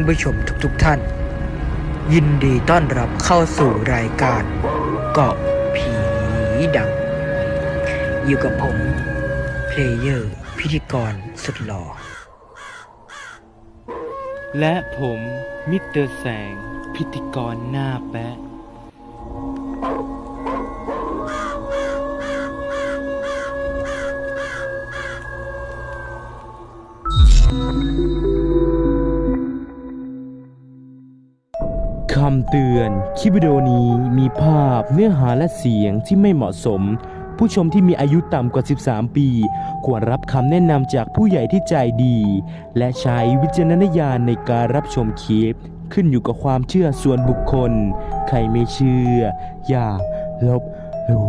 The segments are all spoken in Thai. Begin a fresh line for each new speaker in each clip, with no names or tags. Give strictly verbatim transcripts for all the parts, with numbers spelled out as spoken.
ผู้ชมทุกๆท่านยินดีต้อนรับเข้าสู่รายการเกาะผีดังอยู่กับผมเพลเยอร์พิธีกรสุดหล่อ
และผมมิสเตอร์แสงพิธีกรหน้าแปะคำเตือนคลิปวิดีโอนี้มีภาพเนื้อหาและเสียงที่ไม่เหมาะสมผู้ชมที่มีอายุต่ำกว่าสิบสามปีควรรับคำแนะนำจากผู้ใหญ่ที่ใจดีและใช้วิจารณญาณในการรับชมคลิปขึ้นอยู่กับความเชื่อส่วนบุคคลใครไม่เชื่ออย่าลบหลู่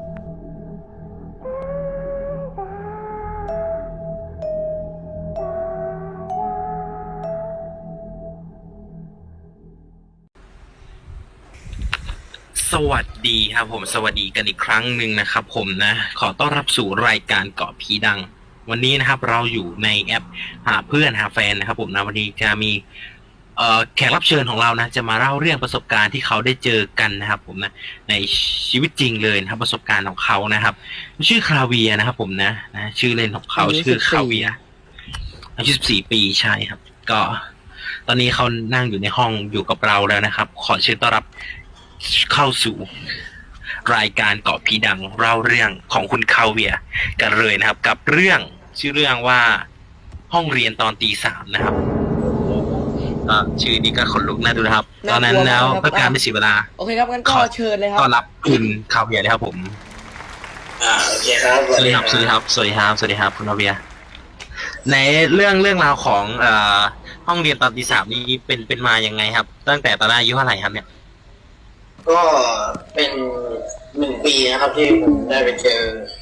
สวัสดีครับผมสวัสดีกันอีกครั้งหนึ่งนะครับผมนะขอต้อนรับสู่รายการเกาะผีดังวันนี้นะครับเราอยู่ในแอปหาเพื่อนหาแฟนนะครับผมนะวันนี้จะมีเอ่อแขกรับเชิญของเรานะจะมาเล่าเรื่องประสบการณ์ที่เขาได้เจอกันนะครับผมนะในชีวิตจริงเลยนะครับประสบการณ์ของเขานะครับชื่อคาเวียนะครับผมนะนะชื่อเล่นของเขาชื่อคาเวียอายุสิบสี่ปีใช่ครับก็ตอนนี้เขานั่งอยู่ในห้องอยู่กับเราแล้วนะครับขอเชิญต้อนรับเข้าสู่รายการเกาะผีดังเล่าเรื่องของคุณคาเวียกันเลยนะครับกับเรื่องชื่อเรื่องว่าห้องเรียนตอนตีสามนะครับก็ชื่อนี้ก็ขนลุกน่าดูนะครับตอนนั้นแล้วเพื่อการไม่เสียเวลา
โอเคครับงั้นก็เชิญเลยครับ
ต้อนรับคุณคาเวียเลยครับผม
อ่าโอเคครับ
สวัสดีครับสวัสดีครับสวัสดีครับสวัสดีครับคุณคาเวียในเรื่องเรื่องราวของเอ่อห้องเรียนตอนตีสามนี้เป็นเป็นมายังไงครับตั้งแต่ตอนอายุเท่าไหร่ครับเนี่ย
ก็เป็นหนึ่งปีนะครับที่ผมได้ไปเจอ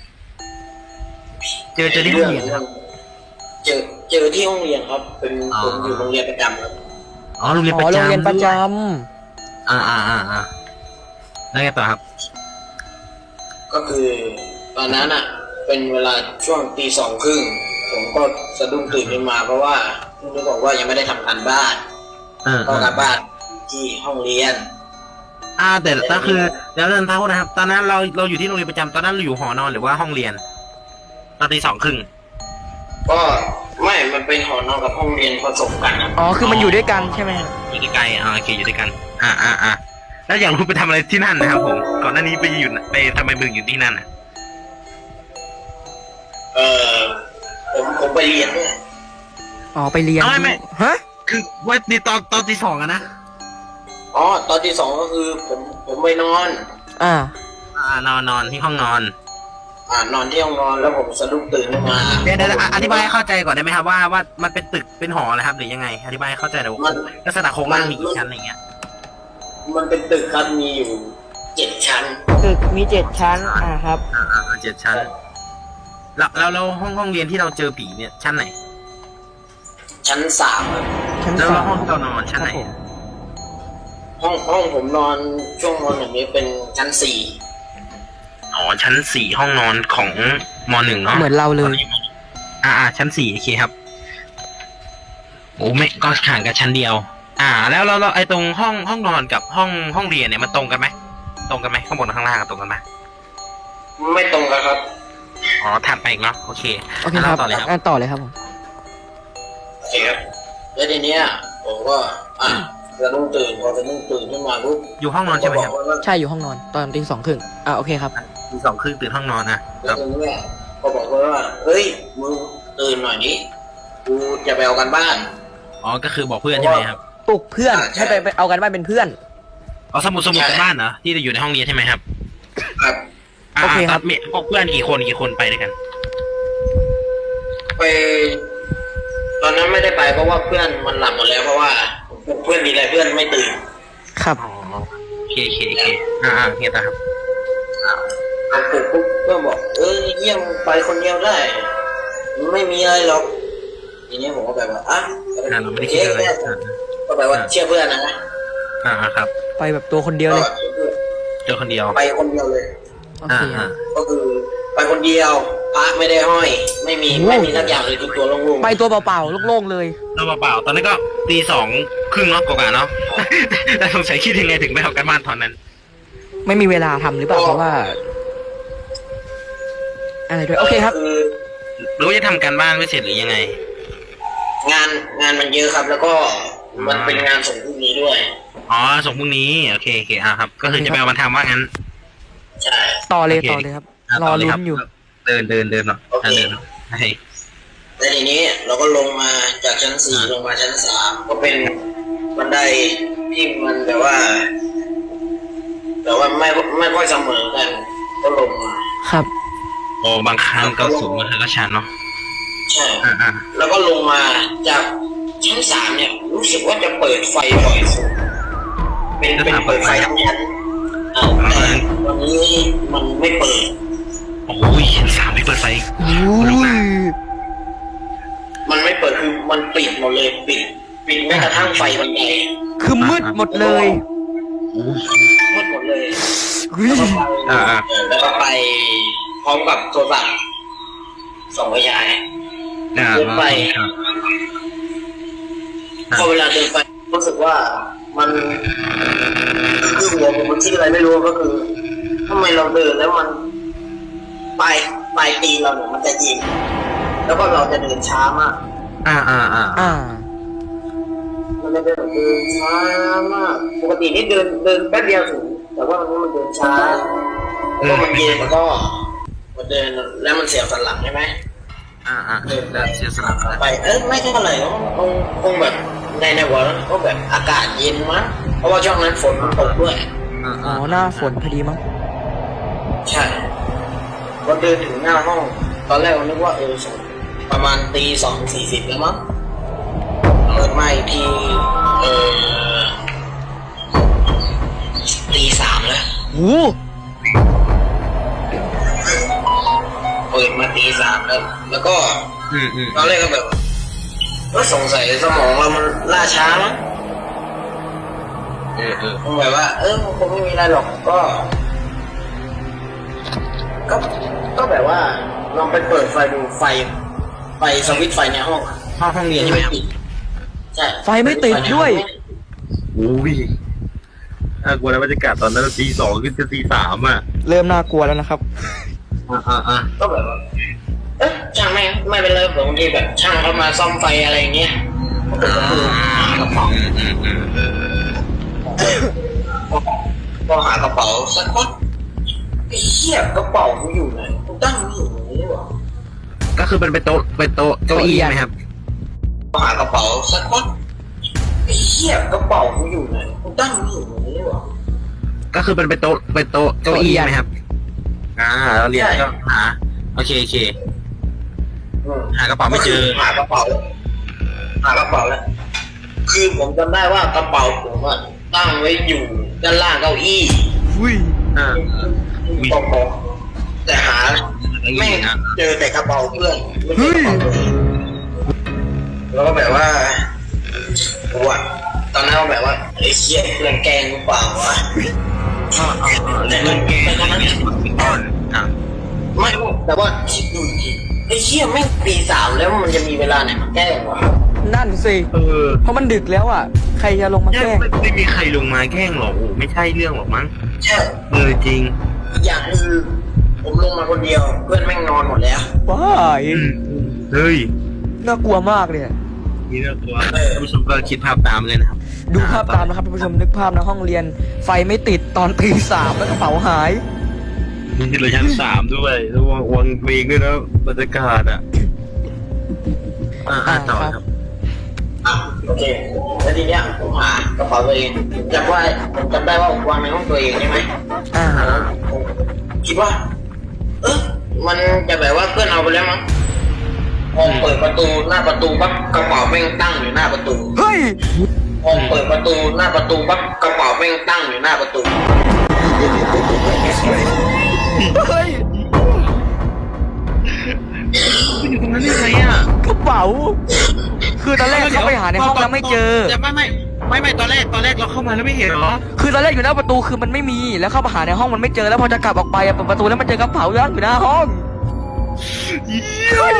เจอเจอที่ห้องเรียนครับ
เจอเจอที่ห้องเรียนครับเป็นผมอยู่โรงเรียนประจำครับ
อ๋อโรงเรียนประจำ
โรงเรียนประจำ
อ่าอ่าอ่าอ่าแล้วไงต่อครับ
ก็คือตอนนั้นอ่ะเป็นเวลาช่วงตีสองครึ่งผมก็สะดุ้งตื่นขึ้นมาเพราะว่าคุณบอกว่ายังไม่ได้ทำการบ้านก็การบ้านที่ห้องเรียน
อ่าแต่ก็คือเดี๋ยวเรื่องเท่านะครับตอนนั้นเราเราอยู่ที่โรงเรียนประจำตอนนั้นเราอยู่หอนอนหรือว่าห้องเรียนตอนตีสองครึ่ง
ก็ไม่มันเป็นหอนอนกับห้องเรียนผสมกัน
อ๋อคือมันอยู่ด้วยกันใช่ไหม
อยู่ใกล้ๆอ่าโอเคอยู่ด้วยกันอ่าอ่าอ่าแล้วอย่างคุณไปทำอะไรที่นั่นนะครับผมก่อนหน้านี้ไปอยู่ไปทำไมมึงอยู่ที่นั่นอ่ะ
เออผมผมไปเรียนด้วย
อ๋อไปเรียน
ไม่ไม่
ฮะ
คือว่าในตอนตอนตีสองอะนะ
อ๋อตอนที่สองก็คือผมผมไปนอน
อ่า
อ่านอนนอนที่ห้องนอน
อ่านอนที่ห้องนอนแล้วผมสะดุ้งตื่นขึ้นมา
เดี๋ยวเดี๋ยวอธิบายให้เข้าใจก่อนได้ไหมครับว่าว่ามันเป็นตึกเป็นหออะไรครับหรือยังไงอธิบายให้เข้าใจหน่อยว่าลักษณะโครงสร้างมีกี่ชั้นอะไรเงี้ย
มันเป็นตึกครับมีอยู่เจ็ดชั้น
ตึกมีเจ็ดชั้นอ่าครับ
อ่าอ่าเจ็ดชั้นแล้วแล้วแล้วห้องห้องเรียนที่เราเจอผีเนี่ยชั้นไหน
ชั้นสาม
ชั้น
สามแล้วห้อง
ที่
เรานอนชั้นไหน
ห้องห้องผมนอนช่วงนอนอย่างนี้เป็นชั้นสี่
อ๋อชั้นสี่ห้องนอนของมหนึ่งเนาะ
เหมือนเราเลย
อ่าอ่าชั้นสี่โอเคครับโอ้ไม่ก็ห่างกันชั้นเดียวอ่าแล้วเราเราไอตรงห้องห้องนอนกับห้องห้องเรียนเนี่ยมันตรงกันไหมตรงกันไหมข้างบนข้างล่างตรงกันไหม
ไม่ตรงกันครับ
อ๋อถัดไปอีกเนาะโอเค
โอเคครับต่อเลยครับต่อเลยครับผม
โอเคครับแล้วทีเนี้ยผมก็อ่ะจะนุ่งตื่นพอจะนุ่งตื่นขึ้นมาปุ๊บ
อยู่ห้องนอนใช่ไหมครับ
ใช่อยู่ห้องนอนตอนตีสองครึ่งอ่าโอเคครับ
ตีสองครึ่งตื่นห้องนอนนะ
แล้วทีนี้ก็บอกว่าเฮ้ยมึงตื่นหน่อยนี้กูจะไปเอากันบ้าน
อ๋อก็คือบอกเพื่อนใช่ไหมครับ
ปลุกเพื่อนให้ไปไปเอากันบ้านเป็นเพื่อน
อ๋อสมุดสมุดกันบ้านเหรอที่จะอยู่ในห้องเรียนใช่ไหมครับ
ครับ
โอเคครับ
มีพวกเพื่อนกี่คนกี่คนไปด้วยกัน
ไปตอนนั้นไม่ได้ไปเพราะว่าเพื่อนมันหลับหมดแล้วเพราะว่าเพื่อนมีอะไรเพื่อนไม่ตื่น
ครับ
อ๋อเคเคเคอ่าเฮียตาครับ
อ่าปลุกปุ๊บเพื่อนบอกเออเยี่ยมไปคนเดียวได้ไม่มีอะไรหรอกทีนี้ผมก็แบบว่าอ่ะ
เราไม่ได้คิดอะไร
ก็แบบว่าเชื่อเพื่อนนะ
อ่าครับ
ไปแบบตัวคนเดียวเลย
เจอคนเดียว
ไปคนเดียวเลย
อ่า
ก็คือไปคนเดียวพระไม่ได้ห้อย ไม่มีไม่มีสักอย่างเลยทุกตัวโล่งๆ
ไปตัวเปล่าๆโล่งๆเลย
เราเปล่าๆตอนนั้นก็ตีสองครึ่งเนาะกว่าๆเนาะ แต่สงสัยคิดยังไงถึงไปเอากันบ้านตอนนั้น
ไม่มีเวลาทำหรือเปล่าเพราะว่า อะไรด้วยโอเคครับ
คือ
หรือว่าจะทำการบ้านไม่เสร็จหรือยังไง
งานงานมันเยอะครับ แล้วก็มันเป็นงานส่งพรุ่งนี้ด้วย
อ๋อส่งพรุ่งนี้โอเคโอเคอ่ะครับ ก็คือจะไปเอามาทำว่างั้น
ใช่
ต่อเลย
โอเค
ต่อเลยครับ
ะ
รอ
ต่เล
ลุ้
คน
อยู่
เดินเดินเดินเนาะอ่ะเดินให้
แล้วทีนี้เราก็ลงมาจากชั้นสี่ลงมาชั้นสามก็เป็นบันไดที่มันแบบว่า แต่ว่าไม่ไม่ค่อยเสมอกัน ก็ลงมา
ครับ
โอ้บางครั้งก็สูงบางครั้งก็ชันเนาะ
ใช่
อ่าอ่า
แล้วก็ลงมาจากชั้นสามเนี่ย รู้สึกว่าจะเปิดไฟบ่อยสุดเป็นเป็นเปิดไฟทั้งชั้นอ่าแต่วันนี้มันไม่เปิด
โอ้ยสามไม่เปิดไฟ
อุ้ย
มันไม่เปิดคือมันปิดหมดเลยปิดปิดแม้กระทั่งไฟบันได
คือมืดหมดเลย
มืดหมดเลย
อุ้ย
แล้วก็ไป
อ่าอ่า
เออแล้วก็ไปพร้อมกับโทรศัพท์ส่องไฟฉาย
อ่า
เดินไป
ครับ
พอเวลาเดินไปรู้สึกว่ามันคือหัวผมมันคิดอะไรไม่รู้ก็คือทำไมเราเดินแล้วมันปลายปลายตีนเราเนี่ยมันจะยิงแล้วก็เราจะเดินช้ามาก
อ่าอ่าอ่า
อ่า
มันจะเดินเดินช้ามากปกตินี่เดินเดินแป๊บเดียวถึงแต่ว่าวันนี้มันเดินช้าแล้วก็มันเย็นแล้วก็มันเดินแล้วมันเสียวสันหลังใช่ไหม
อ่าอ่าแล้วเสียสละ
ไปเอ้ยไม่เท่าไหร่หรอกคงคงแบบในในหัวก็แบบอากาศเย็นมั้งเพราะว่าช่วงนั้นฝนมันตกด้วย
อ่า
อ๋
อ่า
อหน้าฝนพอดีมั้ง
ใช่พอเดินถึงหน้าห้อง ตอนแรกเรานึกว่าเออประมาณตีสองสี่สิบแล้วมั้งเปิดมาอีกทีเออตีสามแล้ว
โอ้
เปิดมาตีสามแล้ว แล้วก็
อืมอืม
ตอนแรกก็แบบว่าสงสัยสมองเรามันล่าช้ามั้ง
เออเออ
คงแบบว่า เออคงไม่มีอะไรหรอกก็ ก็ ก็แบบว่าลองไปเปิดไฟดูไฟ ไฟสวิตช์ไฟในห้องอะ
ห้องห้องเรียนใช่ไหมครับ
ใช่
ไฟไม่ติดด้วย
โอ้ยน่ากลัวนะบรรยากาศตอนนั้นตีสองขึ้นจะตีสามอ่ะ
เริ่มน่ากลัวแล้วนะครับ
อ่าอ่าอ่า
ก็แบบว่า เอ๊ะช่างไม่ไม่เป็นไรบางทีแบบช่างเขามาซ่อมไฟอะไรอย่างเงี้ยก็เปิดประตูหากระเป๋า
อืมอืมอืม
พอหากระเป๋าสักพักไอ้เหี้ยกระเป๋ากูอยู่ไหนกูตั้งไม่อยู่ตรงนี้หรอ
ก็คือเป็นเป็นโต๊ะเป็นโต๊ะเก้าอี้ไหมครับ
พอหากระเป๋าสักพักไอ้เหี้ยกระเป๋ากูอยู่ไหนกูตั้งไม่อยู่ตรงนี้หรอ
ก็คือเป็นเป็นโต๊ะเป็นโต๊ะเก้าอี้ไหมครับ อ่าเราเรียนก็หาโอเคโอเค
อืม
หากระเป๋าไม่เจอ
หากระเป๋า หากระเป๋าแล้ว คือผมจำได้ว่ากระเป๋าผมอะตั้งไว้อยู่ด้านล่างเก้าอี้
อุ้ย
อ่า
ตรงผมแต่หาไม่เจอแต่กระเป๋าเพื่อนไม่เจอกระเป๋าตัวเองแล้วก็แบบว่าปวดตอนนั้นก็แบบว่าไอ้เชี่ยเพื่อนแกล้งหรือเปล่าวะ
อ่าอ่าอ่าแล้วเกมตอนนั้นตอนอ่า
ไม่แต่ว่าคิดดูดิไอ้เชี่ยแม่งปีสามแล้วมันจะมีเวลาไหนมาแกล้งวะ
นั่นสิ
เออ
เพราะมันดึกแล้วอ่ะ ใครจะลงมา
แย่
แกล้ง
ไม่ไม่มีใครลงมาแกล้งหรอกโอ้ไม่ใช่เรื่องหรอกมั้ง
ใช่
เออจริง
อีกอย่างคือผมลงมาคนเดียว เพื่อนแม่งนอนหมดแล้ว
ว้าย
อืมเฮ้ย
น่ากลัวมากเลย
นี่น่ากลัวท่านผู้ชมก็คิดภาพตามเลยนะครับ
ดูภาพตามนะครับท่านผู้ชมนึกภาพนะห้องเรียน ไฟไม่ติดตอนตีสามแล้วกระเป๋าหาย
นี่เราชั้นสามด้วยแล้ววางวางเวงด้วยนะบรรยากาศอ่ะอ่าอ่าต่อครับ
อ่ะโอเค แล้วทีเนี้ยผมหากระเป๋าตัวเองจำว่าผมจำได้ว่าผมวางในห้องตัวเองใช่ไหม
อ่า
ผมคิดว่า เออมันจะแบบว่าเพื่อนเอาไปแล้วมั้งพอเปิดประตูหน้าประตูปั๊บกระเป๋าแม่งตั้งอยู่หน้าประตู
เฮ้ย
พอเปิดประตูหน้าประตูปั๊บกระเป๋าแม่งตั้งอยู่หน้าประตู
เฮ้ย
คุณอยู่ตรงนั้นได้ไงอ่ะ
กระเป๋า คือตอนแรกเข้าไปหาในห้องแล้วไม่เจอ
แต่ไม่ไม่ไม่ไม่ตอนแรกตอนแรกเราเข้ามาแล้วไม่เห็นเหรอ
คือตอนแรกอยู่หน้าประตูคือมันไม่มี แล้วเข้ามาหาในห้องมันไม่เจอ แล้วพอจะกลับออกไปอะเปิดประตูแล้วมันเจอกระเป๋าย่างอยู่หน้าห้อง
เยี่ย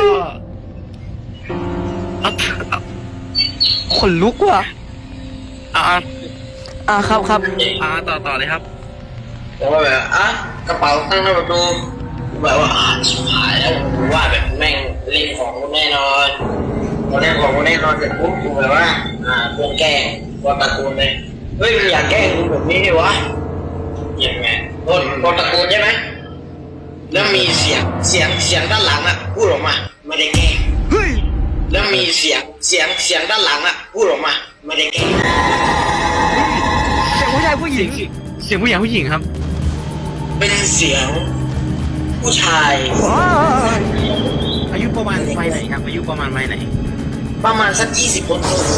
เอาเอา
ขนลุกว่ะ
เอา
อ่าครับครับ
เอาต่อต่อเลยครับ
ผมก็แบบอ่ะกระเป๋าตั้งหน้าประตูแบบว่าอ่าชิบหายแล้วผมว่าแบบแม่งเล่นของกูแน่นอนพอเล่นของกูแน่นอนเสร็จปุ๊บกูแบบว่าอ่าเพื่อนแกล้งว่าตะโกนเลยเฮ้ยมึงอยากแกล้งกูแบบนี้ดิวะยังไงโดนโดนตะโกนใช่ไหมแล้วมีเสียงเสียงเสียงด้านหลังอ่ะพูดออกมาไม่ได้แกล้ง
เฮ้ย
แล้วมีเสียงเสียงเสียงด้านหลังอ่ะพูดออกมาไม่ได้แกล้ง
เสียงผู้ชายผู้หญิง
เสียงผู้หญิงผู้หญิงครับ
เป็นเสียงผู้ชาย
ว้าว
อายุประมาณวัยไหนครับ อายุประมาณวัยไหน
ประมาณสักยี่สิบคน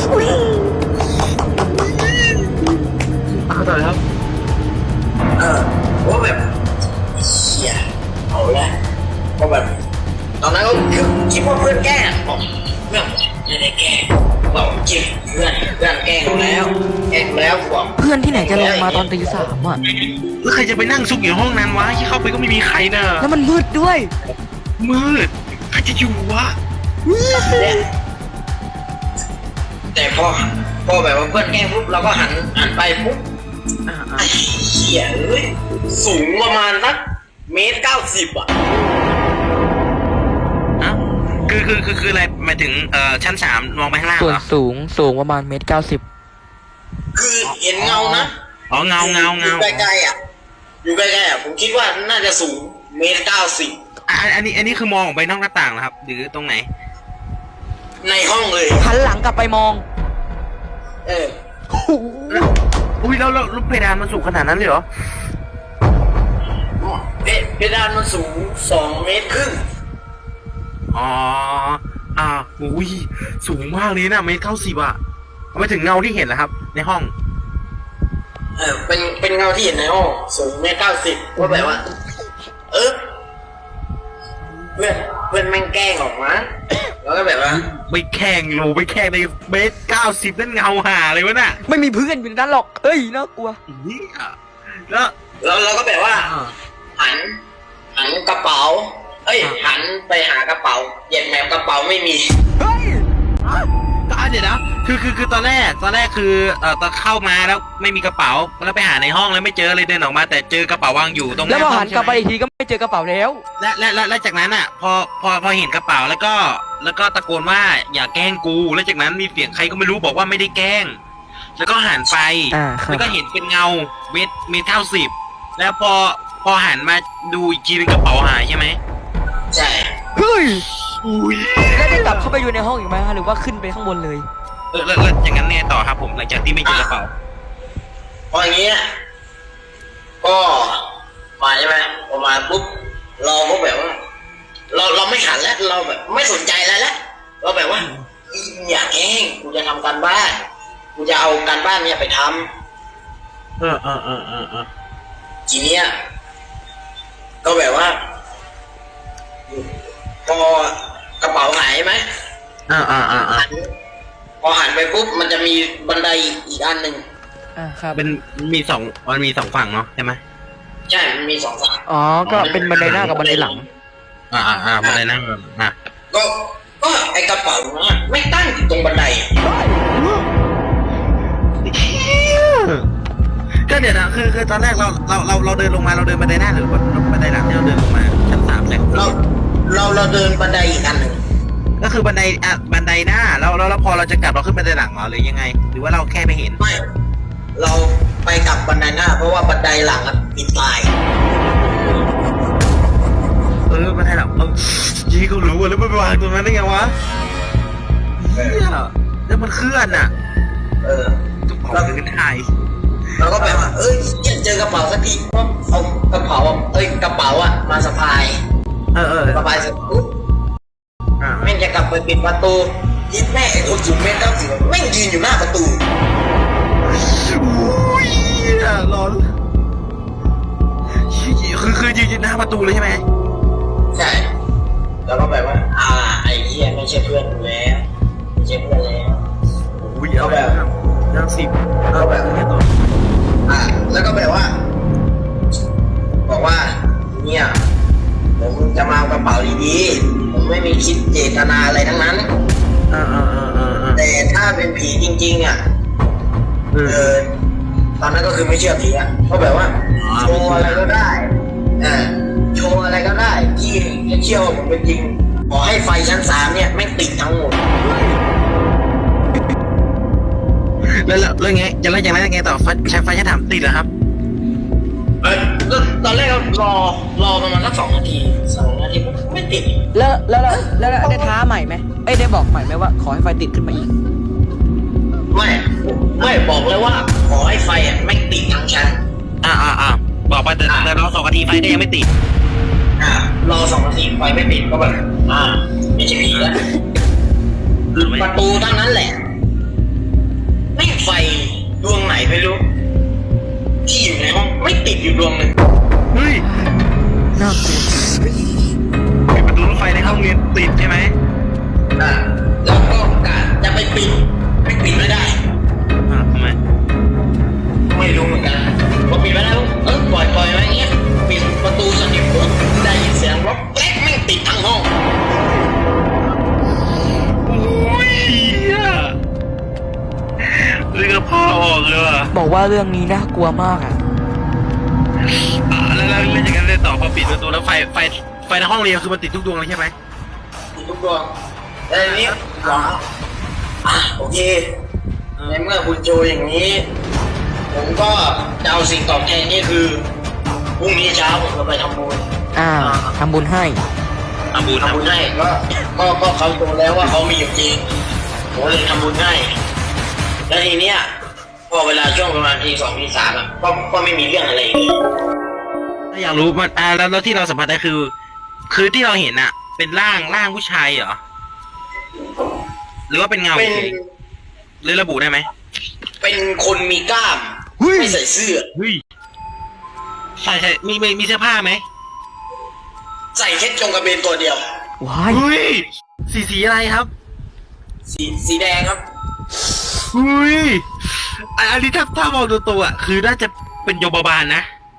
เอาต่อเลยครับ
เออว่าแบบเชี่ยเอาละก็แบบตอนนั้นก็คิดว่าเพื่อนแกล้งบอกเพื่อนไม่ได้แกล้งบอกจริงเพื่อนเพื่อนแกล้งแล้วแกล้งแล้วบอก
เพื่อนที่ไหนจะลงมาตอนตีสามอ่ะ
แล้วใครจะไปนั่งซุกอยู่ในห้องนั้นวะที่เข้าไปก็ไม่มีใครเนอะ
แล้วมันมืดด้วย
มืดใครจะอยู่วะ
เนี่ยแต่พอพอแบบว่าเพื่อนแกล้งปุ๊บเราก็หันหันไปปุ๊บ
อ่า
ไอ้เหี้ยเอ้ยสูงประมาณสักเมตรเก้าสิบอ่ะ
ๆอ่ะคือคือคือคืออะไรหมายถึงเอ่อชั้นสามมองไปข้างล่าง
ส่ว
เห
น
รอ
สูงสูงประมาณเมตรเก้าสิบ
คือเห็นเงานะ
อ๋อเงาเงา
อ
เงา
ยู่ใกล้ๆอ่ะอยู่ใกล้ๆอ่ะผมคิดว่าน่าจะสูงเมตรเก้าสิบ
อ่ะอันนี้อันนี้คือมองออกไปนอกหน้าต่างเหรอครับ หรือตรงไหน
ในห้องเลย
หันหลังกลับไปมอง
เออ
อุ้ยแล้วแล้วแล้วเพดานมันสูงขนาดนั้นเลยเหรอ
เพเพดานมันสูงสองเมตรครึ่ง
อ๋ออ่าอุ้ยสูงมากเลยนะเมตรเก้าสิบอะเอาไปถึงเงาที่เห็นแล้วครับ ในห้อง
เออเป็นเป็นเงาที่เห็นในห้องสูงเมตรเก้าสิบว่าแบบว่า เออเพื่อนเพื่อนแม่งแกล้งออกมาแล้วก็แบบว่า
ไม่แข่งโลไม่แข่งในเมตรเก้าสิบนั่นเงาหาเลยวะน่ะ
ไม่มีเพื่อนอยู่ในนั้นหรอกเฮ้ยน่ากลัว
เหี้ยแล้ว
แล้วเราก็แบบว่า หัน หันกระเป๋า เอ้ย หันไปหากระเป๋าเหยียดแมวกระเป๋าไม่มี
เฮ้ย
ก็อ่ะเดี๋ยวนะคือคือคือตอนแรกตอนแรกคือเอ่อตอนเข้ามาแล้วไม่มีกระเป๋าแล้วไปหาในห้องแล้วไม่เจอเลยเดินออกมา แต่เจอกระเป๋าวางอยู่ตรงห
แล้ว
น้า
พอ
ห้
หั
อง
นกลับไป
ใช่
อีก
ไหม
ทีก็ไม่เจอกระเป๋าแล้ว
และและและและจากนั้นอ่ะ พอพอพอเห็นกระเป๋าแล้วก็ แล้วก็ตะโกนว่าอย่าแกล้งกู แล้วจากนั้นมีเสียงใครก็ไม่รู้บอกว่าไม่ได้แกล้ง แล้วก็หันไป
อ่าครับ
แล้วก็เห็นเป็นเงาเมตรเมตรเก้าสิบแล้วพอพอหันมาดูอีกทีนึงกระเป๋าหายใช่ไหม
ใช่
เฮ้ย
อุ้ย
แล้วได้กลับเข้าไปอยู่ในห้องอีกไหมฮะหรือว่าขึ้นไปข้างบนเลย
เออแล้วแล้วอย่างนั้นเนี่ยต่อครับผมหลังจากที่ไม่เจอกระเป๋า
พออย่างเงี้ยก็มาใช่ไหมพอมาปุ๊บเราก็แบบว่า เราเราไม่หันแล้วเราแบบไม่สนใจอะไรแล้วเราแบบว่าอย่าแกล้งกูจะทำการบ้านกูจะเอาการบ้านเนี่ยไปทำ
เออเออเออเออเออ
ทีเนี้ยก็แบบว่า พอกระเป๋าหายไหม
อ่าอ่าอ่าอ่า
หันพอหันไปปุ๊บมันจะมีบันไดอีกอันหนึ่ง
อ่าครับ
เป็นมีสองมันมีสองฝั่งเนาะใช่ไหม
ใช่มันมีสองฝั่ง
อ๋อก็เป็นบันไดหน้ากับบันไดหลัง
อ่าอ่าอ่ามาเลยนะอ่ะ
ก็ก็ไอกระเป๋านะไม่ตั้งอยู่ตรงบันได
ก็เดี๋ยวนะคือคือตอนแรกเราเราเราเราเดินลงมาเราเดินบันไดหน้าหรือบันไดหลังที่เราเดินลงมาชั้นสามใช่
เราเราเราเดินบันไดอีกอันหนึ่ง
ก็คือบันไดอ่ะบันไดหน้าแล้วแล้วแล้วพอเราจะกลับเราขึ้นบันไดหลังเหรอหรือยังไง หรือว่าเราแค่ไม่เห็น
ไม่เราไปกลับบันไดหน้า เพราะว่าบันไดหลังอะปิดตาย
เออบันไดหลังเออยี่เขารู้อะแล้วมันไปวางตรงนั้นได้ไงวะเฮียแล้วมันเคลื่อนอ่ะ
เออ
กระเป๋าเดินถ่าย
เราก็แบบว่าเอ้ยยังเจอกระเป๋าสักทีก็เอากระเป๋าอะเอ้ยกระเป๋าอะมาสะพาย
เออเออ
สะพายเสร็จปุ๊บ
อ่า
แม่งจะกลับไปปิดประตูยิดแม่ไอ้คนสูงเมตรเก้าสิบแม่งยืนอยู่หน้าประตู
อุ้ยร้อนคือคือยืนอยู่หน้าประตูเลยใช่ไหม
ใช่แล้วก็แบบว่า อ่าไอ้เหี้ยไม่ใช่เพื่อนกูแล้วไม่ใช่เพื่อนแล้ว
อุ้ยเอาแบบนั่งสิบเอาแบบนี้ต่อ
อ่าแล้วก็แบบว่า บอกว่าเนี่ยผมจะมาเอากระเป๋าดีๆคิดเจตนาอะไรทั้งนั้น
อ่าอ่าอ่าอ่าอ่า
แต่ถ้าเป็นผีจริงๆอ่ะ
อืม
เออตอนนั้นก็คือไม่เชื่อผีอ่ะเพราะแบบว่า
อ๋อ
โชว์อะไรก็ได้อ่าโชว์อะไรก็ได้ที่จะเชื่อว่าผมเป็นจริงขอให้ไฟชั้นสามเนี่ยแม่งติดทั้งหมด
แล้วแล้วแล้วไงจะแล้วยังไงไงต่อไฟใช้ไฟจะถามติดเหรอครับ
เอ้ยก็ตอนแรกก็รอรอประมาณสักสองนาทีสองนาทีไม่ติด
แล้วแล้วแล้วแล้วแล้วได้ท้าใหม่ไหมเอ้ยได้บอกใหม่ไหมว่าขอให้ไฟติดขึ้นมาอีก
ไม่ไม่บอกเลยว่าขอให้ไฟอ่ะแม่งติดทั้งชั้น
อ่าอ่าอ่าบอกไปแต่แต่เราสองนาทีไฟก็ยังไม่ติด
อ่ารอสองนาทีไฟไม่ติดก็แบบอ่าไม่ใช่ผีแล้วประตูเท่านั้นแหละไม่ไฟดวงไหนไม่รู้ ที่อยู่ในห้องไม่ติดอยู่ดวงหนึ่ง
เฮ้ย
น่ากลัว
ปิดประตูรถไฟในห้องเรียนติดใช่ไหม
อ่าแล้วก็กะจะไปปิดไม่ปิดไม่ได้
อ่าทำไม
ไม่รู้เหมือนกันพอปิดไม่ได้ปุ๊บเออปล่อยปล่อยไว้อย่างเงี้ยปิดประตูสนิทปุ๊บได้ยินเสียงรถแกรกแม่งติดทั้งห้อง
โอ้ยเรื่องพ่อออกเลยว่ะ
บอกว่าเรื่องนี้น่ากลัวมากอ่ะ
อ่าแล้วแล้วเล่นอย่างนั้นเลยต่อพอปิดประตูแล้วไฟไฟไฟในห้องเรียนคือมันติดทุกดวงเลยใช่ไหม
ติดทุกดวงแต่ทีนี้หวังอ่ะโอเคในเมื่อคุณโจอย่างนี้ ผมก็จะเอาสิ่งตอบแทนนี่คือพรุ่งนี้เช้าผมจะไปทำบุญ
อ่าทำบุญให้
ทำบุญ
ทำบุญให้ก็ก็ก็เขาโตแล้วว่าเขามีอยู่จริงผมเลยทำบุญให้แล้วทีเนี้ยพอเวลาช่วงประมาณทีสองทีสามอ่ะก็ก็ไม่มีเรื่องอะไรเลย
ถ้าอยากรู้มันอ่าแล้วแล้วที่เราสัมผัสได้คือ คือที่เราเห็นอะเป็นร่างร่างผู้ชายเหรอหรือว่าเป็นเงา
เป็น
เฉยหรือระบุได้ไหม
เป็นคนมีกล้าม
เฮ้ย
ไม่ใส่เสื้อ
เฮ้ยใช่ใช่มีมีมีเสื้อผ้าไหม
ใส่แค่จงกระเบนตัวเดียว
ว้าย
เฮ้ยสีสีอะไรครับ
สีสีแดงครับ
เฮ้ยอันอันนี้ถ้าถ้ามองดูตัวอะคือน่าจะเป็นโยบาบาลนะ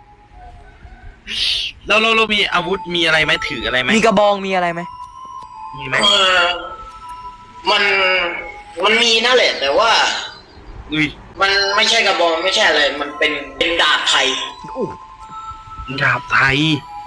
เราเราเรามีอาวุธมีอะไรไหมถืออะไรไหม
มีกระบองมีอะไรไหม
มีไหม
เออมันมันมีนั่นแหละ แต่ว่า
อุ้ย
มันไม่ใช่กระบองไม่ใช่อะไร มันเป็นเป็นดาบไทย
ดาบไทย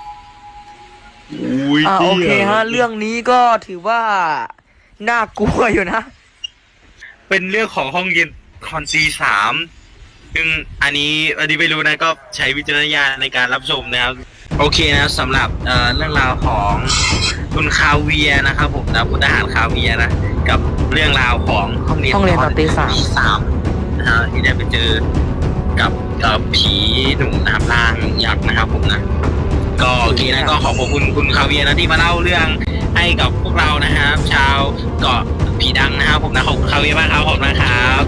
อุ้ย
อ่าโอเคฮะ เรื่องนี้ก็ถือว่าน่ากลัวอยู่นะ
เป็นเรื่องของห้องเรียนคอนซีสามซึ่งอันนี้อันนี้ไม่รู้นะก็ใช้วิจารณญาณในการรับชมนะครับ โอเคนะสำหรับเอ่อเรื่องราวของคุณคาเวียนะครับผมนะพลทหารคาเวียนะกับเรื่องราวของห้องเรียน
ห้องเรียนตอนตีสาม
ตีสามนะฮะที่ได้ไปเจอกับเอ่อผีหนุ่มนะครับร่างยักษ์นะครับผมนะก็โอเคนะก็ขอบคุณคุณคาเวียนะที่มาเล่าเรื่องให้กับพวกเรานะครับชาวเกาะผีดังนะครับผมนะขอบคุณคาเวียมากครับขอบคุณนะครับ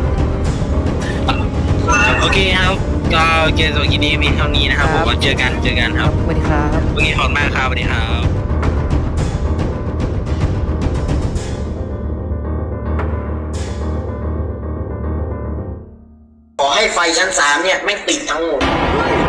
โอเคครับก็เกมสวัสดีนี้มีเท่านี้นะครับผมก็เจอกันเจอกันครับ
สวัสดีครับ
โอเคขอบคุณมากครับสวัสดีครับ
ขอให้ไฟชั้นสามเนี่ยแม่งติดทั้งหมด